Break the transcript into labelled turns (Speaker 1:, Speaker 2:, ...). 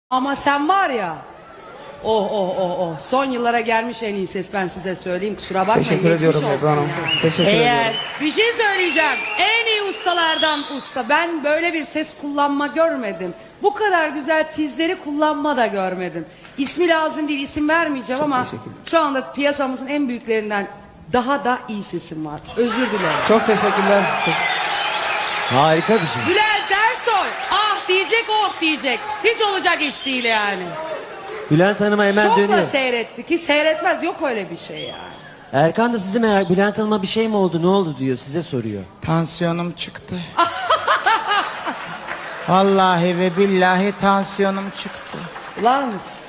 Speaker 1: Ama sen var ya, son yıllara gelmiş en iyi ses, ben size söyleyeyim, kusura bakmayın.
Speaker 2: Teşekkür
Speaker 1: geçmiş
Speaker 2: ediyorum
Speaker 1: olsun
Speaker 2: Ebru Hanım.
Speaker 1: yani.
Speaker 2: Teşekkür ediyorum.
Speaker 1: Bir şey söyleyeceğim, en iyi ustalardan usta, ben böyle bir ses kullanma görmedim. Bu kadar güzel tizleri kullanma da görmedim. İsmi lazım değil, isim vermeyeceğim ama şu anda piyasamızın en büyüklerinden daha da iyi sesim var. Özür dilerim.
Speaker 2: Çok teşekkürler.
Speaker 3: Harika bir şey.
Speaker 1: Bülent Ersoy, ah diyecek, oh diyecek. Hiç olacak iş değil yani.
Speaker 3: Bülent Hanım'a hemen
Speaker 1: Şokla
Speaker 3: dönüyor.
Speaker 1: seyretti ki seyretmez, yok öyle bir şey yani.
Speaker 3: Erkan da sizi merak, Bülent Hanım'a bir şey mi oldu, ne oldu diyor, size soruyor.
Speaker 2: Tansiyonum çıktı. Vallahi ve billahi tansiyonum çıktı.
Speaker 1: Ulan